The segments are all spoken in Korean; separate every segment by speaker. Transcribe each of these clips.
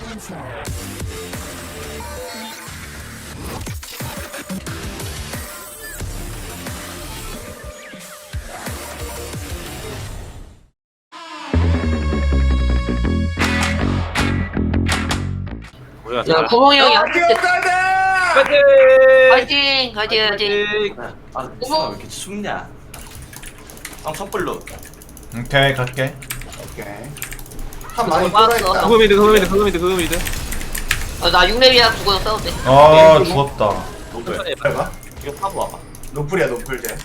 Speaker 1: 뭐야?
Speaker 2: 야, 구멍이 형이 한 대.
Speaker 1: 파이팅!
Speaker 2: 화이팅! 화이팅! 화이팅!
Speaker 3: 아, 무슨 왜 이렇게 춥냐? 촛불로.
Speaker 4: 오케이 갈게.
Speaker 5: 오케이. 한 많이
Speaker 2: 빠졌어.
Speaker 5: 뚫어있다.
Speaker 1: 그거 미드.
Speaker 2: 나 6렙이야. 죽어서 싸워도 돼.
Speaker 4: 아 죽었다.
Speaker 3: 노플.
Speaker 5: 해봐.
Speaker 3: 이거 파고 와봐.
Speaker 5: 노플이야 노플 쟤.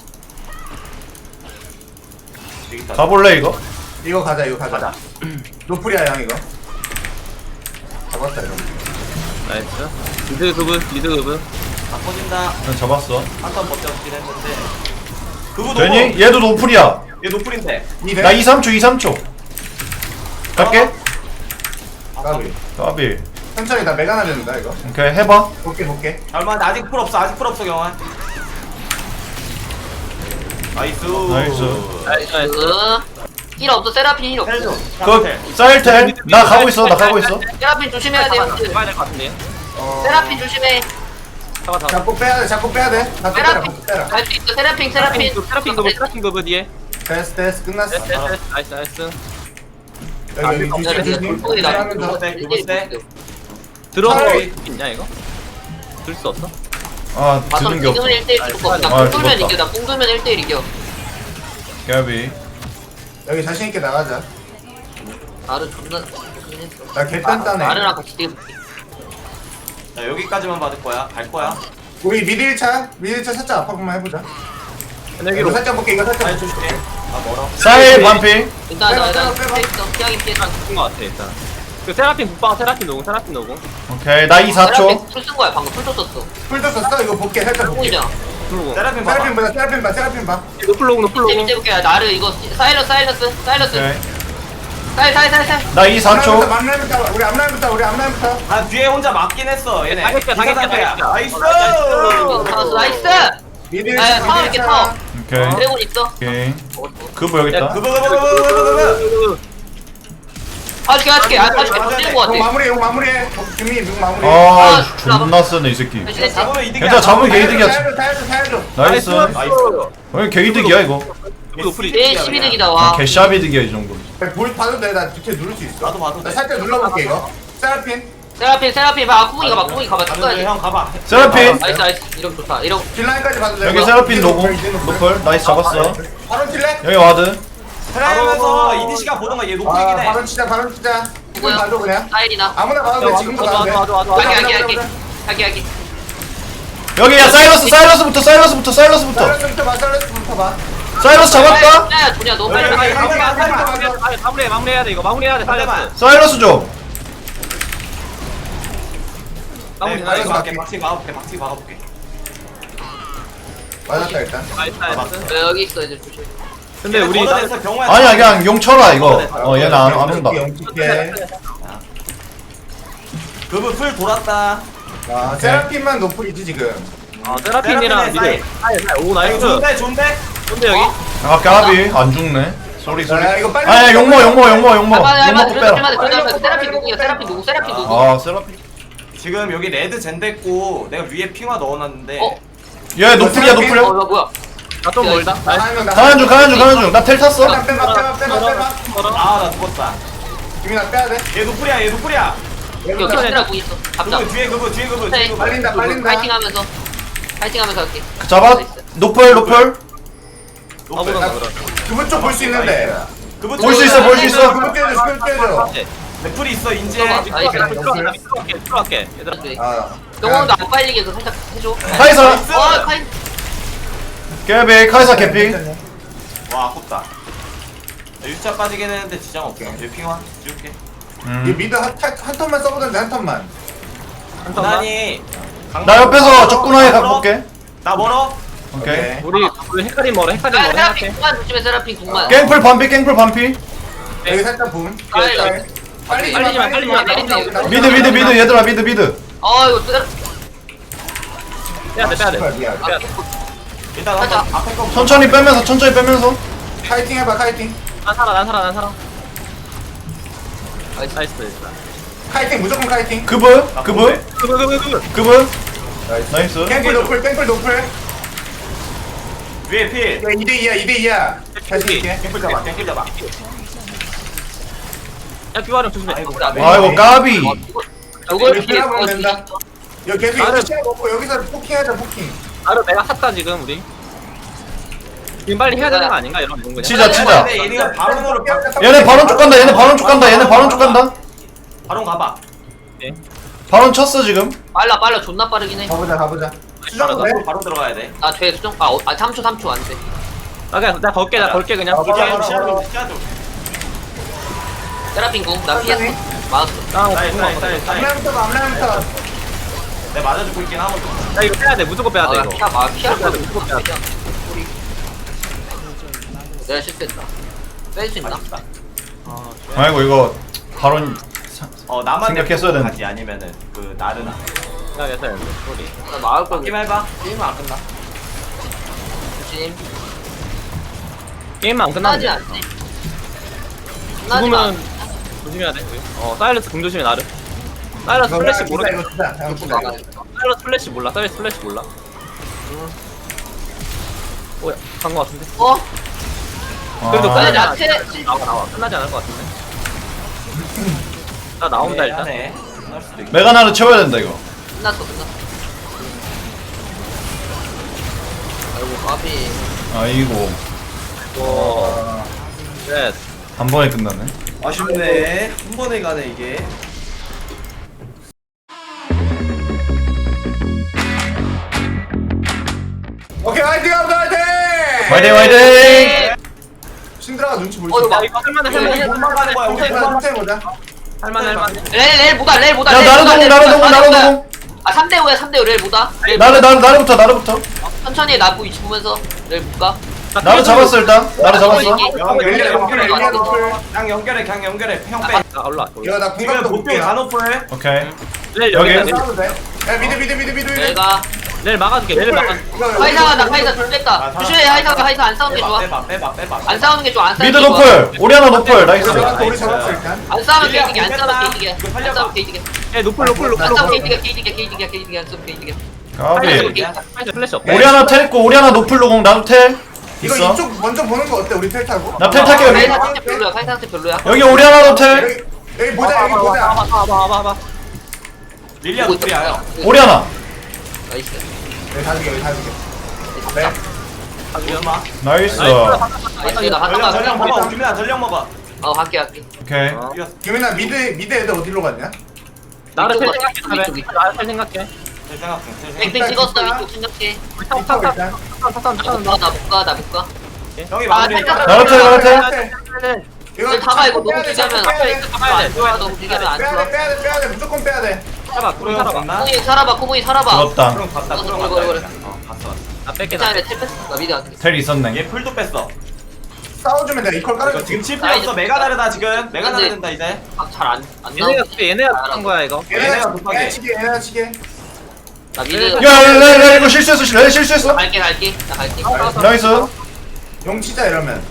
Speaker 3: 여기 있다.
Speaker 4: 가볼래 이거?
Speaker 5: 이거 가자 이거 가자.
Speaker 3: 가자.
Speaker 5: 노플이야 형 이거. 잡았다 이거.
Speaker 1: 나이스. 미드 그분.
Speaker 3: 다 터진다.
Speaker 4: 난 잡았어.
Speaker 3: 한턴 버텼긴 했는데. 그거
Speaker 4: 되니? 얘도 노플이야.
Speaker 3: 얘 노플인데.
Speaker 4: 나 2, 3초 2, 3초. 갈게.
Speaker 5: 까비.
Speaker 4: 까비.
Speaker 5: 천천히 나 메가나 된다 이거.
Speaker 4: 오케이 해봐.
Speaker 5: 볼게.
Speaker 3: 얼마 아직 풀 없어. 경환. 나이스.
Speaker 1: 나이스.
Speaker 2: 힐 없어. 세라핀 힐 없어.
Speaker 3: 헬조.
Speaker 4: 그 쌀텔. 나 가고 있어.
Speaker 2: 세라핀 조심해야 돼. 형들.
Speaker 1: 가야 될 것 같은데.
Speaker 2: 세라핀 조심해.
Speaker 1: 잡아.
Speaker 5: 잡고 빼야 돼. 나 빼라.
Speaker 2: 세라핀
Speaker 5: 빼라.
Speaker 2: 갈 수 있어. 세라핀.
Speaker 1: 세라핀 그분 뒤에.
Speaker 5: 됐어 끝났어.
Speaker 1: 나이스.
Speaker 5: 여기 뒤쪽
Speaker 2: 꿀꿀이 나.
Speaker 5: 하면서
Speaker 1: 들어서
Speaker 5: 차라리-
Speaker 1: 있냐 이거? 들 수 없어?
Speaker 4: 아
Speaker 2: 맞아.
Speaker 4: 드는 게 없어.
Speaker 2: 지금은 1대1 죽을 거 없어.
Speaker 4: 아,
Speaker 2: 나 뽕돌면
Speaker 4: 죽었다.
Speaker 2: 이겨. 나 뽕돌면 1대1 이겨.
Speaker 4: 까비.
Speaker 5: 여기 자신 있게 나가자.
Speaker 2: 나를 존나 좋긴 했어.
Speaker 5: 나 개단단해.
Speaker 2: 나르랑 같이 뛰어.
Speaker 3: 자, 여기까지만 받을 거야. 갈 거야.
Speaker 5: 우리 미드 1차 살짝 압박만 해보자. 이거
Speaker 1: 여기로
Speaker 5: 살짝 볼게. 이거 살짝
Speaker 3: 잘
Speaker 5: 볼게.
Speaker 3: 조심해. 아 멀어.
Speaker 4: 쌀 반피.
Speaker 2: 일단
Speaker 5: 빼봐,
Speaker 2: 나
Speaker 5: 빼봐.
Speaker 2: 피했어. 피하긴 피했어.
Speaker 1: 죽은 것 같아 일단. 그 세라핀 국방 세라핀 노공.
Speaker 4: 오케이 나 2, 4초.
Speaker 2: 풀쓴 거야. 방금 풀 썼어.
Speaker 5: 풀도 썼어. 이거 볼게. 살짝 볼게.
Speaker 2: 뽕이잖아.
Speaker 1: 노공.
Speaker 3: 세라핀 봐봐.
Speaker 5: 세라핀 봐.
Speaker 1: 노플로공.
Speaker 2: 밑에 볼게. 나르 이거 사일러스.
Speaker 4: 오케이.
Speaker 2: 살.
Speaker 4: 나 2, 4초.
Speaker 5: 우리 앞라인부터.
Speaker 3: 아 뒤에 혼자 맞긴 했어. 얘네.
Speaker 1: 당했다.
Speaker 3: 나이스.
Speaker 2: 나이스.
Speaker 5: 미드
Speaker 2: 야, 타워 이렇게 타워.
Speaker 4: 오케이.
Speaker 2: 드래곤 있어.
Speaker 4: 오케이.
Speaker 2: 먹었어.
Speaker 4: 그거 여기 있다.
Speaker 3: 그거.
Speaker 2: 봐줄게. 던지는 거 같아.
Speaker 5: 용 마무리해. 김이 용 마무리.
Speaker 4: 아 존나 쓰네 이 새끼.
Speaker 2: 대신했지.
Speaker 3: 잡으면 이득이야.
Speaker 4: 괜찮아 잡으면 게이득이야.
Speaker 5: 타야죠.
Speaker 4: 나이스. 왜 게이득이야 이거?
Speaker 1: 노플이.
Speaker 2: 내 12득이다 와.
Speaker 4: 개샤비득이야 이 정도.
Speaker 5: 볼 봐도 돼. 나 뒤에 누를 수 있어.
Speaker 3: 나도 봐도 돼.
Speaker 5: 나 살짝 눌러볼게 이거. 세라핀.
Speaker 2: 봐. 구멍이 가봐.
Speaker 3: 가는데
Speaker 2: 끝까지.
Speaker 3: 형 가봐.
Speaker 4: 세라핀.
Speaker 2: 나이스. 이런 좋다. 이런.
Speaker 5: 딜라인까지 봐도 돼.
Speaker 4: 여기
Speaker 5: 이거.
Speaker 4: 세라핀 노공. 노플. 나이스 잡았어.
Speaker 5: 바로 칠래?
Speaker 4: 여기 와드.
Speaker 3: 트라이면서 이디시가 보던가 얘 노플이긴 해.
Speaker 5: 바로 치자. 이거
Speaker 2: 뭐야?
Speaker 5: 봐도 그냥.
Speaker 2: 사일이나.
Speaker 5: 아무나 봐도 돼. 지금도 봐도 돼.
Speaker 1: 와도.
Speaker 2: 할게.
Speaker 4: 여기야 사일러스부터.
Speaker 5: 살려서부터 봐.
Speaker 4: 사일러스 잡았다.
Speaker 2: 야, 도냐 너무 빨리.
Speaker 1: 마무리해야 돼 이거. 마무리해야 돼.
Speaker 3: 상대방.
Speaker 4: 사일러스 좀.
Speaker 3: 네,
Speaker 5: 나이스.
Speaker 3: 막히 막아볼게.
Speaker 5: 맞았다 일단.
Speaker 1: 나이스.
Speaker 2: 여기 있어 이제 조심.
Speaker 1: 근데 우리
Speaker 3: 걷어내서 경호야.
Speaker 4: 아니야 그냥 용 쳐라 이거. 얘는 안 온다.
Speaker 5: 영특해.
Speaker 3: 그분 풀 돌았다.
Speaker 5: 아, 세라핀만 노플이지 지금.
Speaker 1: 세라핀이랑 미드. 오
Speaker 3: 아,
Speaker 1: 나이스.
Speaker 3: 이거 좋은데?
Speaker 1: 근데 여기
Speaker 4: 아 까비 안 죽네. 쏘리.
Speaker 5: 야, 이거 빨리.
Speaker 4: 아야 용모. 용 먹고
Speaker 2: 할만해.
Speaker 4: 빼라.
Speaker 2: 세라핀 누구?
Speaker 4: 아 세라핀.
Speaker 3: 지금 여기 레드 젠됐고 내가 위에 핑화 넣어놨는데
Speaker 2: 어?
Speaker 4: 얘 노플이야.
Speaker 2: 뭐야?
Speaker 1: 나좀 멀다. 나이스.
Speaker 4: 가는 중. 나 텔 탔어.
Speaker 5: 빼봐.
Speaker 3: 아 나 죽었다.
Speaker 5: 김이나 빼야 돼.
Speaker 3: 얘 노플이야.
Speaker 2: 이거 키스라 구 있어. 잡자.
Speaker 3: 그분 뒤에 그분.
Speaker 2: 네.
Speaker 5: 빨린다.
Speaker 2: 파이팅하면서 할게.
Speaker 4: 잡아. 노플.
Speaker 1: 아무나 그래.
Speaker 5: 그분 쪽 볼 수 있는데.
Speaker 3: 그분
Speaker 4: 볼 수 있어.
Speaker 5: 그분 떼줘.
Speaker 3: 넷플이 있어 인제.
Speaker 1: 들어갈게. 얘들아.
Speaker 5: 아.
Speaker 2: 영혼도 안 빨리게 해서 살짝 해줘.
Speaker 4: 카이사.
Speaker 2: 카인.
Speaker 4: 개비 카이사 개피.
Speaker 3: 와 아깝다. 6차 빠지긴 했는데 지장 없어. 얘 핑화 지울게.
Speaker 5: 이 미드 한 턴만 써보던데 한 턴만.
Speaker 3: 무난히.
Speaker 4: 나 옆에서 적군하게 갖고 올게.
Speaker 3: 나 멀어.
Speaker 4: 오케이.
Speaker 1: 우리 헷갈림 멀어.
Speaker 2: 세라핀 궁만 조심해. 세라핀 궁만.
Speaker 4: 깽풀 반피.
Speaker 5: 여기 살짝 붐. 빨리
Speaker 1: 빨리 마.
Speaker 4: 미드 얘들아 미드.
Speaker 2: 이거 세라.
Speaker 1: 빼야 돼.
Speaker 5: 미안.
Speaker 3: 일단
Speaker 2: 가자.
Speaker 3: 앞에 거
Speaker 4: 천천히 빼면서.
Speaker 5: 카이팅 해봐 카이팅.
Speaker 1: 난 살아. 나이스.
Speaker 5: 카이팅 무조건 카이팅.
Speaker 4: 그분
Speaker 3: 나
Speaker 4: 그분
Speaker 1: 그그
Speaker 4: 그분 나이스.
Speaker 5: 땡플 노플 땡플 노플.
Speaker 3: 위에 필.
Speaker 5: 2대2야 2대2야. 다시 이렇게.
Speaker 3: 갱플 잡아. 갱플 잡아.
Speaker 1: 야 비와령 조심해.
Speaker 4: 아이고 까비.
Speaker 2: 저걸
Speaker 5: 이렇게
Speaker 2: 피해
Speaker 5: 하면 된다. 여기 계속
Speaker 1: 나를-
Speaker 5: 이거 시야 먹고 여기서 포킹하자 포킹.
Speaker 1: 나를 내가 샀다 지금 우리. 지금 빨리 해야 되는 거 아닌가 이런 거.
Speaker 4: 치자 치자.
Speaker 3: 근데 얘네가 바론으로
Speaker 4: 얘네 바론 쪽 간다. 얘네 바론 쪽 간다. 얘네 바론 쪽 간다.
Speaker 3: 바론 가봐.
Speaker 4: 바론 쳤어 지금.
Speaker 2: 빨라 존나 빠르긴 해.
Speaker 5: 가보자 가보자. 수정도 돼?
Speaker 3: 바로 들어가야 돼.
Speaker 2: 아돼 수정 아 3초 안돼.
Speaker 1: 나 그냥 나 걸게 나 걸게 그냥.
Speaker 5: 어,
Speaker 3: 시야
Speaker 5: 걸어,
Speaker 3: 시야
Speaker 5: 걸어.
Speaker 3: 좀 시야 좀.
Speaker 2: 세라핀 궁나 피했어. 맞았어.
Speaker 5: 앞라인부터 앞라인부터.
Speaker 3: 내 맞아주고 있긴 하거든.
Speaker 1: 나 이거 빼야 돼 무조건 빼야 돼 이거.
Speaker 2: 피할 거야.
Speaker 1: 무조건 빼야 돼.
Speaker 2: 내가 실수했다. 뺄 수 있나?
Speaker 4: 아이고 이거 바론
Speaker 3: 나만
Speaker 4: 생각했어야
Speaker 3: 내고
Speaker 4: 되는데.
Speaker 3: 가지 아니면은 그 나르나.
Speaker 1: 야 됐어 소리.
Speaker 2: 나 나올 걸.
Speaker 3: 게임 해봐. 게임은 안 끝나.
Speaker 2: 조심.
Speaker 1: 게임만 안
Speaker 2: 끝나지
Speaker 1: 끝나지.
Speaker 2: 않지. 끝나지 마.
Speaker 1: 죽으면 조심해야 돼. 사일러스 공 조심해 나를. 사일러스 플래시 모르.
Speaker 5: 이거 주자. 형 주자.
Speaker 1: 사일러스 플래시 몰라. 사일러스 플래시 몰라. 오야 간거 같은데. 그래도
Speaker 4: 아,
Speaker 1: 끝나지
Speaker 2: 나
Speaker 1: 않. 나와 끝나지 않을 것 같은데. 나 나온다 일단.
Speaker 3: 하네. 끝날 수도 있고.
Speaker 4: 메가나를 채워야 된다 이거.
Speaker 2: 끝났어. 아이고 까비.
Speaker 4: 아이고
Speaker 1: 오. 네.
Speaker 4: 한 번에 끝나네.
Speaker 3: 아쉽네. 한 번에 가네 이게.
Speaker 5: 오케이 화이팅 합니다 화이팅.
Speaker 4: 화이팅 화이팅.
Speaker 5: 신드라가 눈치 보이지.
Speaker 2: 이거
Speaker 1: 야 이거 할만해.
Speaker 3: 도망 가는 거야. 우리 도망.
Speaker 5: 천천히 보자.
Speaker 1: 할만해.
Speaker 2: 렐 보다.
Speaker 4: 야 나르노공.
Speaker 2: 아 3대5야 3대5 렐 보다.
Speaker 4: 나르부터.
Speaker 2: 천천히 나부 위치 보면서 렐 볼까?
Speaker 4: 나르 잡았어 일단. 나르 잡았어.
Speaker 3: 그냥 연결해. 그냥 연결해. 형 빼.
Speaker 1: 아 올라.
Speaker 5: 이거 나
Speaker 3: 지금
Speaker 5: 공감도
Speaker 3: 보통
Speaker 5: 볼게요.
Speaker 3: 간호풀.
Speaker 4: 오케이.
Speaker 1: 렐
Speaker 4: 여기.
Speaker 1: 여기.
Speaker 5: 싸워도 돼? 야 미드.
Speaker 2: 내가
Speaker 1: 렐 막아줄게. 렐 막아.
Speaker 2: 하이사가 나 하이사 둘 뺐다. 조심해 하이사가 하이사 안 싸우는 게 좋아.
Speaker 3: 빼봐.
Speaker 2: 안 싸우는 게 좋아. 안 싸우는
Speaker 4: 미드
Speaker 2: 게 좋아.
Speaker 4: 노플. 오리아나 노플. 나이스.
Speaker 5: 우리 잡았어 일단.
Speaker 2: 안 싸우면
Speaker 3: 릴리아
Speaker 2: 게이득이야. 안
Speaker 3: 공
Speaker 2: 싸우면
Speaker 3: 뺐다.
Speaker 2: 게이득이야.
Speaker 3: 이거
Speaker 2: 안
Speaker 3: 살려봐.
Speaker 2: 싸우면 게이득이야.
Speaker 1: 에 노플.
Speaker 2: 안 싸우면 게이득이야. 안 싸우면 게이득이야.
Speaker 4: 까비.
Speaker 1: 플래시 없다.
Speaker 4: 오리아나 텔 있고 오리아나 노플로 공 나도 텔
Speaker 5: 이거
Speaker 4: 있어.
Speaker 5: 이쪽 먼저 보는 거 어때? 우리 텔 타고.
Speaker 4: 나 텔 탈게 여기.
Speaker 2: 하이사 상태 별로야. 하이사 상태 별로야.
Speaker 4: 여기 오리아나도 텔.
Speaker 5: 여기 보자 여기 보자.
Speaker 1: 봐봐.
Speaker 3: 릴리아 노플이야 형.
Speaker 4: 오리아나.
Speaker 2: 나이스.
Speaker 5: 여기 다 죽여. 네.
Speaker 3: 오지마.
Speaker 4: 나이스.
Speaker 2: 나이스. 나 하나
Speaker 3: 전령
Speaker 2: 가.
Speaker 3: 먹어. 우리나 전령 먹어.
Speaker 2: 갈게.
Speaker 4: 오케이.
Speaker 3: 이겼어.
Speaker 5: 규민아 미드 애들 어디로 갔냐?
Speaker 1: 나를 텔
Speaker 2: 이쪽
Speaker 1: 생각해.
Speaker 2: 이쪽.
Speaker 1: 나를 텔 생각해.
Speaker 2: 땡땡 찍었어. 위쪽 생각해.
Speaker 1: 우리
Speaker 5: 이쪽 일단.
Speaker 2: 나 못 가.
Speaker 3: 형이
Speaker 2: 아,
Speaker 3: 마무리.
Speaker 2: 살짝-
Speaker 4: 나도 텔.
Speaker 5: 이거
Speaker 2: 다가 이거 너무
Speaker 5: 빼야 돼,
Speaker 2: 길게 하면
Speaker 5: 빼야 돼.
Speaker 2: 안 좋아. 너무 길게 하면 안 좋아.
Speaker 5: 빼야 돼. 무조건 빼야 돼.
Speaker 1: 살아봐. 우리 살아봐.
Speaker 2: 코모이 살아봐. 코모이 살아봐.
Speaker 4: 죽었다.
Speaker 3: 그럼 갔다. 그럼
Speaker 2: 이거,
Speaker 3: 갔다.
Speaker 2: 이거.
Speaker 3: 봤어.
Speaker 1: 나 뺄게 나.
Speaker 2: 괜찮아. 텔 뺐어. 나 미드 갈게.
Speaker 4: 텔 있었네.
Speaker 3: 얘 풀도 뺐어.
Speaker 5: 싸워주면 내가 이퀄
Speaker 3: 이거
Speaker 5: 깔아줄게.
Speaker 3: 지금 칠 필요 없어. 메가 다르다 지금. 메가 다르다 이제.
Speaker 2: 잘안
Speaker 1: 얘네가 한 거야 이거.
Speaker 3: 얘네가 급하게.
Speaker 5: 얘네가 치게.
Speaker 2: 나 미드
Speaker 4: 야 이거 실수했어. 레 실수했어.
Speaker 2: 갈게. 나 갈게.
Speaker 4: 나이스.
Speaker 5: 용 치자 이러면.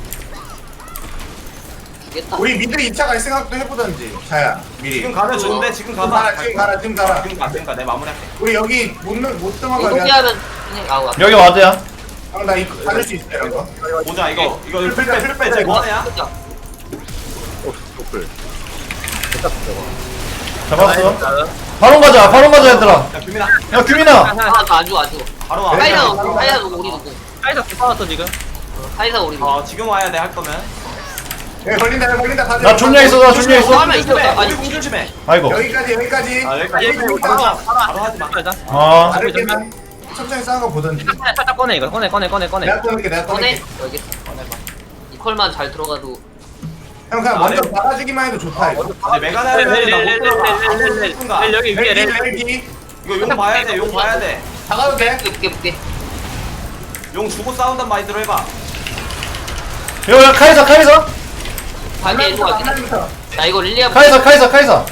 Speaker 2: 죽겠다.
Speaker 5: 우리 미드 2차 갈 생각도 해보던지. 자야 미리.
Speaker 3: 지금 가면 좋은데 지금
Speaker 5: 지금
Speaker 3: 가봐.
Speaker 5: 가라. 지금 가라.
Speaker 3: 지금 가. 내 마무리할게.
Speaker 5: 우리 여기 못 도망가게.
Speaker 2: 이동기하면 그냥 아우.
Speaker 4: 여기 와드야.
Speaker 5: 나 이거 받을 수 있어 이런 거.
Speaker 3: 보자 이거
Speaker 5: 풀
Speaker 3: 풀
Speaker 5: 빼,
Speaker 3: 빼.
Speaker 5: 풀 빼,
Speaker 3: 쟤 뭐하냐?
Speaker 4: 잡았어. 바론 가자 얘들아.
Speaker 3: 야 규민아.
Speaker 4: 야 규민아.
Speaker 2: 안 죽어.
Speaker 3: 바로 와.
Speaker 2: 하이사 누구 우리 누구?
Speaker 1: 사이다 붙어놨어 지금.
Speaker 2: 하이사 우리 누구?
Speaker 3: 지금 와야 돼 할 거면.
Speaker 5: 야 걸린다. 다들.
Speaker 4: 나 존냐 있어.
Speaker 2: 하면 있어. 아니
Speaker 3: 우리 공 조심해.
Speaker 4: 아이고.
Speaker 5: 여기까지.
Speaker 3: 아 여기까지.
Speaker 5: 여기
Speaker 3: 바로
Speaker 5: 있다.
Speaker 3: 바로 하지 마.
Speaker 1: 살자.
Speaker 4: 아.
Speaker 5: 다르게만 천천히 싸운 거 보던지.
Speaker 1: 살짝 꺼내 이거. 꺼내.
Speaker 5: 내가 꺼낼게.
Speaker 2: 꺼내. 여기 이퀄만 잘 들어가도
Speaker 5: 형 그냥 먼저 막아주기만 해도 좋다 이거.
Speaker 3: 근데 메가 다르면 나못 들어가.
Speaker 1: 렐 여기 위에 렐.
Speaker 5: 렐기
Speaker 3: 이거 용 봐야 돼. 용 봐야 돼.
Speaker 5: 다가도 돼.
Speaker 2: 붙게.
Speaker 3: 용 주고 싸운단 마인드로 해봐.
Speaker 4: 야 카이사.
Speaker 2: 갈게 일로 갈게.
Speaker 5: 하나부터.
Speaker 2: 나 이거 릴리아
Speaker 4: 카이사.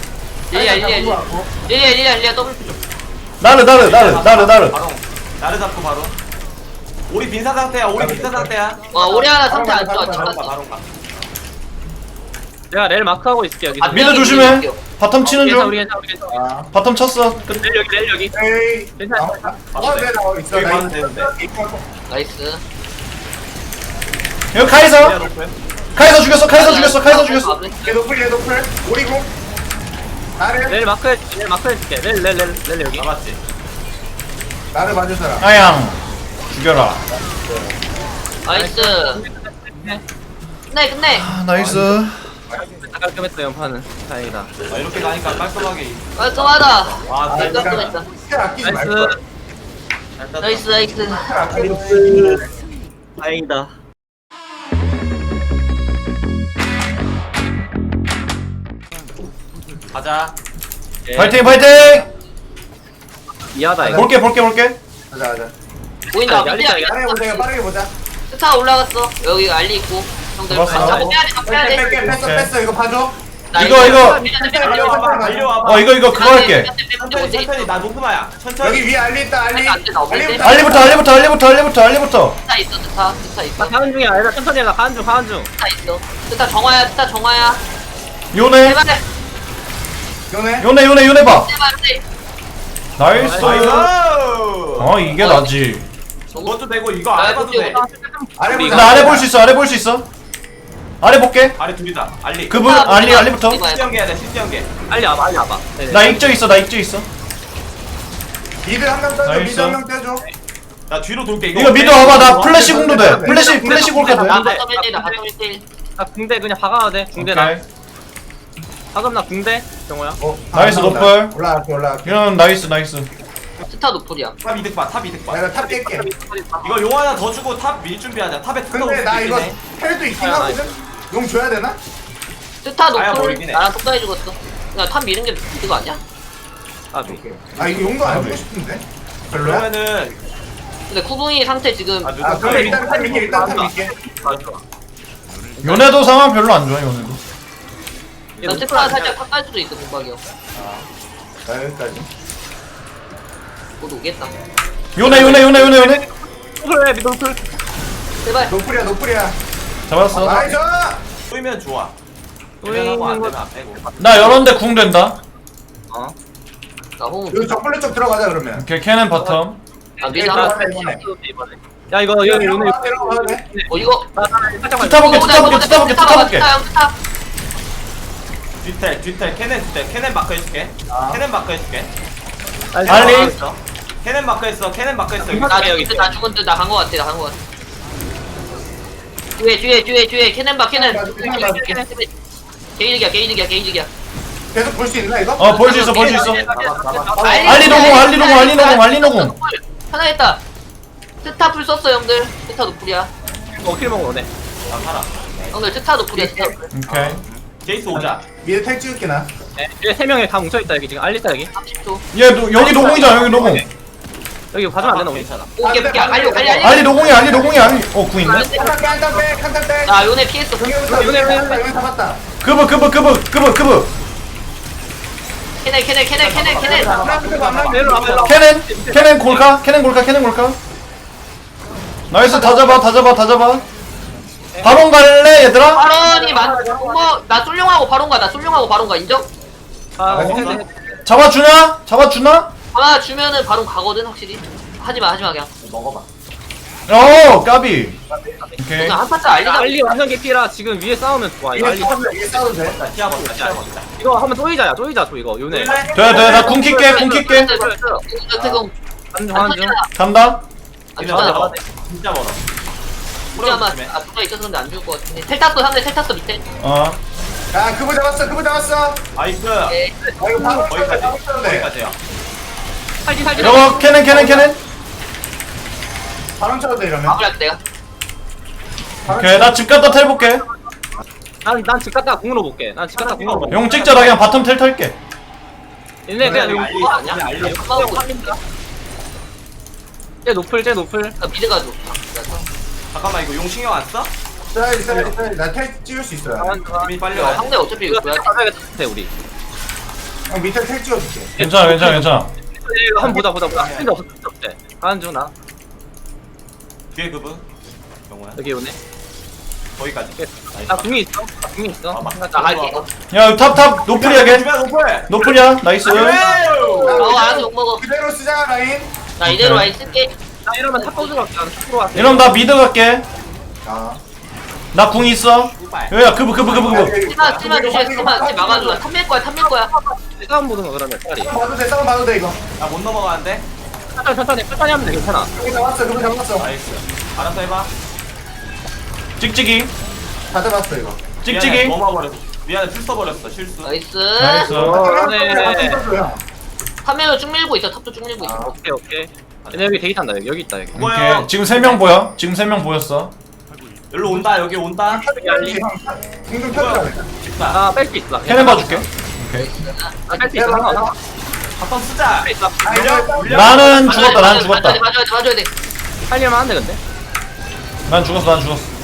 Speaker 2: 릴리아 더블 좀.
Speaker 4: 나르.
Speaker 3: 바로. 나를 잡고 바로. 우리 빈사 상태야.
Speaker 2: 오리 하나 상태 안 좋아.
Speaker 5: 바로
Speaker 3: 바로
Speaker 2: 찍었어.
Speaker 3: 가.
Speaker 1: 내가 렐 마크하고 있을게 여기.
Speaker 2: 안
Speaker 4: 미드
Speaker 2: 되게
Speaker 4: 조심해.
Speaker 2: 밀게요.
Speaker 4: 바텀 치는
Speaker 1: 괜찮아,
Speaker 4: 중.
Speaker 1: 우리 괜찮아, 우리 괜찮아.
Speaker 5: 아
Speaker 4: 바텀 쳤어. 끝.
Speaker 1: 렐 여기, 렐 여기.
Speaker 5: 에이
Speaker 1: 괜찮아.
Speaker 5: 내 나와 있어
Speaker 3: 여기
Speaker 5: 나
Speaker 3: 가면 되는데.
Speaker 2: 나이스.
Speaker 4: 여기 카이사. 카이사 죽였어.
Speaker 5: 얘 노플 얘 노플 오리공 나를
Speaker 1: 렐 마크 해줄게. 렐 여기.
Speaker 3: 남았지.
Speaker 5: 나를 봐줄 사람
Speaker 4: 아양. 죽여라.
Speaker 2: 나이스. 끝내.
Speaker 4: 아, 나이스.
Speaker 1: 깔끔했다, 연판은. 다행이다.
Speaker 3: 아, 이렇게 가니까 깔끔하게.
Speaker 2: 깔끔하다.
Speaker 3: 와,
Speaker 2: 네,
Speaker 3: 진짜
Speaker 2: 깔끔했다.
Speaker 5: 스킬 아끼지
Speaker 1: 나이스.
Speaker 5: 말걸
Speaker 3: 잘 땄다.
Speaker 2: 나이스.
Speaker 5: 스킬 아끼지
Speaker 1: 다행이다.
Speaker 3: 가자.
Speaker 1: 예.
Speaker 4: 파이팅.
Speaker 1: 이하다, 이거.
Speaker 4: 볼게.
Speaker 5: 가자
Speaker 2: 보인다.
Speaker 1: 야,
Speaker 2: 미디야.
Speaker 5: 빠르게 보자 이거 빠르게 보자
Speaker 2: 스타 올라갔어. 여기 알리 있고. 형들
Speaker 4: 잡았어.
Speaker 2: 다 빼야 돼.
Speaker 5: 뺄게 뺐어 이거 봐줘
Speaker 4: 이거.
Speaker 5: 달려와
Speaker 4: 이거 그거 할게.
Speaker 3: 천천히. 나 노프마야. 천천히.
Speaker 5: 여기 위에 알리 있다 알리
Speaker 2: 안돼, 나 없는데?
Speaker 4: 알리부터.
Speaker 2: 스타 있어.
Speaker 1: 나 가는 중이야. 얘들아, 천천히 해라. 가는 중.
Speaker 2: 스타 있어. 스타 정화야.
Speaker 4: 요네
Speaker 2: 제발.
Speaker 5: 요네
Speaker 4: 봐.
Speaker 2: 제발.
Speaker 4: 나이스.
Speaker 3: 나이스.
Speaker 4: 이게 나지.
Speaker 3: 그것도 되고 이거 안 해봐도 돼.
Speaker 5: 아래 보자
Speaker 4: 나 아래 볼 수 있어. 아래 볼게.
Speaker 3: 아래 둘이다. 알리.
Speaker 4: 그분 알리부터.
Speaker 3: 신기하게 해야 돼. 신기하게.
Speaker 1: 빨리 와봐. 네네.
Speaker 4: 나 익적 있어.
Speaker 5: 미드 한명 떼줘
Speaker 4: 나이스.
Speaker 5: 미드 한명 떼줘
Speaker 3: 나 뒤로 돌게.
Speaker 4: 이거 미드 와봐. 나 플래시 공도 돼. 플래시 골카 돼.
Speaker 2: 나 바텀 1대1. 나 바텀 1대1.
Speaker 1: 나 궁대 그냥 박아도 돼. 궁대 나.
Speaker 4: 오케이.
Speaker 1: 방금 나 궁대. 정호야.
Speaker 4: 나이스, 노플.
Speaker 5: 올라갈게
Speaker 4: 이런 나이스.
Speaker 2: 스타 노플이야.
Speaker 3: 탑 이득 봐. 탑 이득 봐.
Speaker 5: 내가 탑 깰게
Speaker 3: 이거 용 하나 더 주고 탑 밀 준비하자. 탑에 탑
Speaker 5: 근데 나 이거 텔도 있긴
Speaker 1: 아,
Speaker 5: 하거든 용 줘야 되나?
Speaker 2: 스타
Speaker 3: 아야,
Speaker 2: 노플.
Speaker 3: 모르긴 해.
Speaker 2: 나랑 속다해 죽었어. 그냥 탑 미는 게 이거 아니야?
Speaker 1: 아,
Speaker 5: 아 이거 용도 안 주고 싶은데 별로야?
Speaker 3: 그러면은
Speaker 2: 근데 쿠붕이 상태 지금
Speaker 3: 아,
Speaker 5: 아 그럼 일단 탑 밀게 일단 탑 밀게
Speaker 4: 요네도 상황 별로 안 좋아. 요네도.
Speaker 2: 난 스타 살짝 탑갈 수도 있어 공박이요.
Speaker 5: 나 여기까지
Speaker 2: 곧 오겠다.
Speaker 4: 요네.
Speaker 1: 그래, 미들풀.
Speaker 2: 제발.
Speaker 5: 노플이야
Speaker 4: 잡았어.
Speaker 5: 나이스
Speaker 3: 보이면 좋아.
Speaker 1: 우리
Speaker 3: 되면 하고 안
Speaker 1: 있는
Speaker 3: 되면 안 빼고.
Speaker 4: 나 열었는데 궁 된다.
Speaker 1: 어.
Speaker 2: 나 호흡.
Speaker 5: 여기 적불로 쪽 들어가자 그러면
Speaker 4: 오케이. 캐넨 바텀.
Speaker 2: 아 미드 하나.
Speaker 1: 이번에. 야, 이거 여기 오늘
Speaker 5: 들어가야 돼
Speaker 2: 이거.
Speaker 1: 살짝만.
Speaker 4: 투타 볼게.
Speaker 2: 스타.
Speaker 3: 뒤텔 캐넨 마크 해줄게. 캐넨 마크 해줄게.
Speaker 4: 알리.
Speaker 3: 캐넨 마크 했어.
Speaker 2: 나 여기 나 죽은 듯 나간 거 같아. 뒤에 캐넨 게이득이야.
Speaker 5: 계속 볼 수 있나 이거?
Speaker 4: 볼 수 있어.
Speaker 2: 알리
Speaker 4: 알리 노공.
Speaker 2: 하나 했다. 스타 풀 썼어 형들. 스타 노플이야.
Speaker 1: 킬 먹어, 오네.
Speaker 3: 나 살아.
Speaker 2: 형들 스타 노플이야. 스타 노플.
Speaker 4: 오케이.
Speaker 3: 제이스 오자.
Speaker 5: 미드 택 찍을게 나
Speaker 1: 얘 3명이 다 뭉쳐있다, 여기 지금. 알리다, 여기.
Speaker 2: 30초.
Speaker 4: 여기 노공이잖아. 여기 노공.
Speaker 1: 여기 봐주면 안 되나, 우리?
Speaker 3: 괜찮아.
Speaker 2: 오케이. 알리.
Speaker 4: 알리 노공이. 궁 있네.
Speaker 5: 한탄 빼
Speaker 2: 나 요네 피했어.
Speaker 5: 여기 잡았다
Speaker 4: 그브.
Speaker 2: 캐넨.
Speaker 1: 일로 와봐.
Speaker 4: 캐넨 골카. 나이스. 다 잡아. 바론 갈래 얘들아?
Speaker 2: 바론이 나 쏠룡하고 바론가 인정?
Speaker 1: 아,
Speaker 4: 잡아주나?
Speaker 2: 하나 주면은 바론 가거든 확실히. 하지마 그냥.
Speaker 3: 먹어봐.
Speaker 4: 까비. 오케이.
Speaker 2: 그냥 한 파차 알리자.
Speaker 1: 알리 완전 개피라 지금 위에 싸우면 좋아. 이거 알리
Speaker 5: 위에 싸워도 돼
Speaker 3: 나 피하버리자.
Speaker 1: 이거 한번 쪼이자, 이거. 요네.
Speaker 4: 돼. 나 궁 킬게.
Speaker 1: 한중.
Speaker 4: 간다.
Speaker 3: 진짜 멀어.
Speaker 2: 아마 누가 있어서 근데 안 죽을 것 같은데. 텔 탔어 밑에.
Speaker 5: 야 그거 잡았어
Speaker 3: 나이스.
Speaker 2: 네.
Speaker 5: 아 이거 바로
Speaker 3: 거기까지야.
Speaker 1: 살지.
Speaker 4: 이거 캐넨.
Speaker 5: 바람 쳐도 돼 이러면
Speaker 2: 마무리할게 내가.
Speaker 4: 오케이. 나 집 갔다 텔 볼게.
Speaker 1: 난 집 갔다가 궁으로 볼게.
Speaker 4: 용 찍자. 나 그냥 바텀 텔 털게.
Speaker 1: 얘네 그냥
Speaker 3: 알리,
Speaker 1: 이거 아니야?
Speaker 3: 알리.
Speaker 1: 쟤 노플.
Speaker 2: 나 미드 가줘.
Speaker 3: 잠깐만 이거 용 신경 안 써?
Speaker 5: 나텔 찍을 수 있어요
Speaker 3: 이미 빨리 와.
Speaker 2: 상대 어차피 이거 줘야 돼.
Speaker 1: 돼 우리.
Speaker 5: 형 밑에 텔 찍어줄게
Speaker 4: 괜찮아.
Speaker 1: 이거 한번 보자. 필요 없어. 한중 나.
Speaker 3: 뒤에 그분. 영호야.
Speaker 1: 여기 오네.
Speaker 3: 거기까지.
Speaker 1: 나 궁이 있어. 나 궁이 있어.
Speaker 3: 아,
Speaker 1: 나
Speaker 2: 나 갈게.
Speaker 4: 야 탑 노플이야 걔.
Speaker 3: 노플.
Speaker 4: 노플이야 나이스.
Speaker 2: 알아서 욕먹어.
Speaker 5: 그대로 쓰자 라인.
Speaker 2: 나 이대로 라인 쓸게.
Speaker 1: 나 이러면 탑 보조 갈게. 난 탑으로 갈게.
Speaker 4: 이러면 나 미드 갈게.
Speaker 5: 자.
Speaker 4: 나 궁 있어. 야야 그브.
Speaker 2: 찌마 조심해. 찌마 막아줘. 탐밀 거야.
Speaker 1: 싸움 보는 거 그러면 빨리.
Speaker 5: 싸움 봐도 돼 이거.
Speaker 3: 나못 넘어가는데.
Speaker 1: 천천히 하면 돼. 괜찮아.
Speaker 5: 여기 잡았어 그거 잡았어.
Speaker 3: 나이스. 알아서 해봐.
Speaker 4: 찍찍이.
Speaker 5: 다 잡았어 이거.
Speaker 4: 찍찍이.
Speaker 3: 넘어버렸어. 미안해 출 써버렸어 실수.
Speaker 2: 나이스.
Speaker 4: 나이스.
Speaker 1: 네.
Speaker 2: 탐밀로 쭉 밀고 있어. 탑도 쭉 밀고 있어.
Speaker 1: 오케이. 얘네 여기 대기 탄다. 여기 있다 여기.
Speaker 3: 뭐야?
Speaker 4: 오케이 지금 3명 보여. 지금 3명 보였어.
Speaker 3: 여기로 온다 여기 온다.
Speaker 5: 공중 펴줘.
Speaker 3: 집사.
Speaker 1: 나 뺄 수 있어.
Speaker 4: 캐넨 봐줄게.
Speaker 1: 나뺄수 있어. 상관없어.
Speaker 3: 바텀 쓰자.
Speaker 1: 뺄수 있어.
Speaker 4: 나는 죽었다. 난 죽었다.
Speaker 2: 맞아야 돼.
Speaker 1: 살릴만 한데 근데.
Speaker 4: 난 죽었어.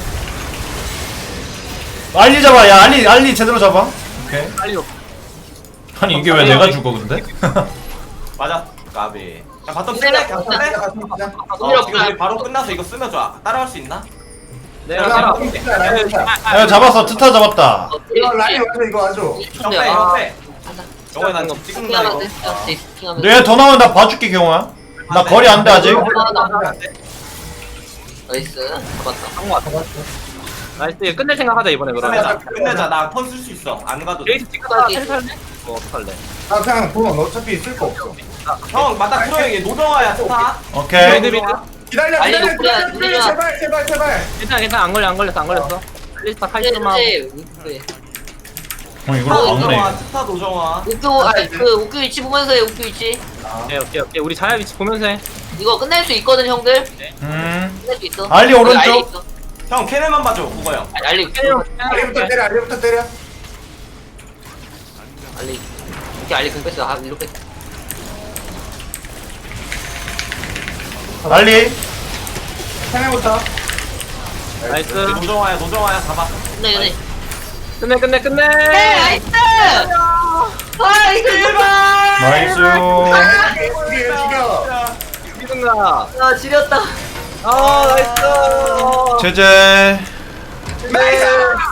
Speaker 4: 알리 잡아. 야 알리 제대로 잡아. 오케이.
Speaker 1: 빨리.
Speaker 4: 아니 이게 왜 내가 죽어 근데?
Speaker 3: 맞아. 까비. 야 바텀 쓸래? 그냥 쓸래? 지금 바로 끝나서 이거 쓰면 좋아. 따라갈 수 있나?
Speaker 1: 내가
Speaker 5: 라인
Speaker 1: 따라.
Speaker 4: 야 잡았어. 트타 잡았다.
Speaker 5: 이거 라인 완전 이거 아주.
Speaker 3: 형 빼, 형 빼. 영호야 난 찍는다 이거.
Speaker 4: 얘 더 나오면 나 봐줄게 경호야. 나 거리 안 돼 아직.
Speaker 2: 나이스. 잡았다.
Speaker 1: 한거 같아. 나이스. 이거 끝낼 생각하자 이번에 그러면.
Speaker 3: 끝내자. 나 턴 쓸 수 있어. 안 가도 돼.
Speaker 1: 레이스 찍다가 텔 살래? 어떡할래?
Speaker 5: 나 그냥 돈 어차피 쓸 거 없어.
Speaker 3: 형 맞다 트로에게 노정아야 스타.
Speaker 4: 오케이.
Speaker 5: 기다려
Speaker 2: 아니,
Speaker 5: 기다려
Speaker 2: 이거
Speaker 5: 기다려 제발.
Speaker 1: 괜찮아 안 걸렸어. 레이스타 카이스마.
Speaker 4: 이걸
Speaker 3: 노정아
Speaker 4: 막네.
Speaker 3: 스타 노정아.
Speaker 2: 우큐 위치 보면서 해. 우큐 위치.
Speaker 1: 오케이. 우리 자야 위치 보면서 해.
Speaker 2: 이거 끝낼 수 있거든 형들. 끝낼 수 있어.
Speaker 4: 알리
Speaker 2: 여기
Speaker 4: 오른쪽.
Speaker 2: 알리 있어.
Speaker 3: 형 캐넨만 봐줘 그거 형.
Speaker 2: 알리.
Speaker 5: 알리부터 때려.
Speaker 2: 알리. 이렇게 알리 공 뺐어. 이렇게.
Speaker 4: 알리.
Speaker 5: 상해부터.
Speaker 1: 나이스.
Speaker 3: 노정아야 잡아.
Speaker 2: 끝내.
Speaker 1: 끝내.
Speaker 2: 나이스. 나이스.
Speaker 4: 나이스.
Speaker 5: 죽여.
Speaker 1: 미든가.
Speaker 2: 아 지렸다.
Speaker 1: 나이스.
Speaker 4: 제제.
Speaker 5: 나이스.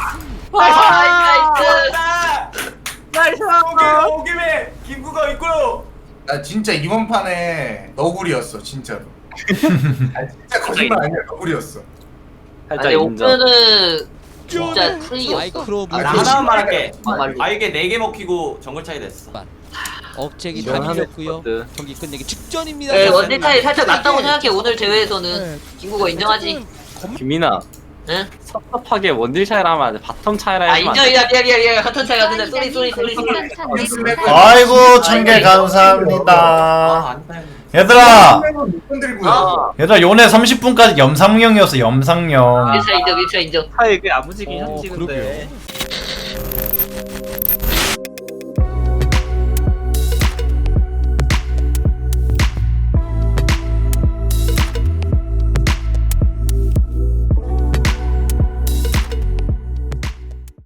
Speaker 2: 나이스.
Speaker 3: 오김에 김구가 있고요.
Speaker 5: 나 진짜 이번 판에 너구리였어 진짜로. 진짜 거짓말 아니야 너구리였어.
Speaker 1: 살짝
Speaker 2: 아니
Speaker 1: 인정.
Speaker 2: 오프는 진짜 프리였어.
Speaker 3: 나 하나만 말할게.
Speaker 2: 말리.
Speaker 3: 아이게 4개 먹히고 정글 차이 됐어.
Speaker 6: 억제기
Speaker 1: 이건
Speaker 6: 다 밀렸고요.
Speaker 1: 하네.
Speaker 6: 경기 끝내기 직전입니다.
Speaker 2: 네, 원딜 차이 살짝 낮다고 생각해. 오늘 대회에서는 김구가 인정하지.
Speaker 1: 김민아.
Speaker 2: 응?
Speaker 1: 섭섭하게 원딜 차이라 하면 안 돼. 바텀 차이라
Speaker 2: 아
Speaker 1: 하면 안 돼.
Speaker 2: 인정이야. 미안. 같은 차이 같은데 쏘리.
Speaker 4: 아이고 1000개 감사합니다. 얘들아 얘들아 요네 30분까지 염상령이었어 염상령.
Speaker 2: 밀차 인정.
Speaker 1: 차이 그 야무지긴
Speaker 6: 어,
Speaker 1: 현지
Speaker 6: 그러게요.
Speaker 1: 근데.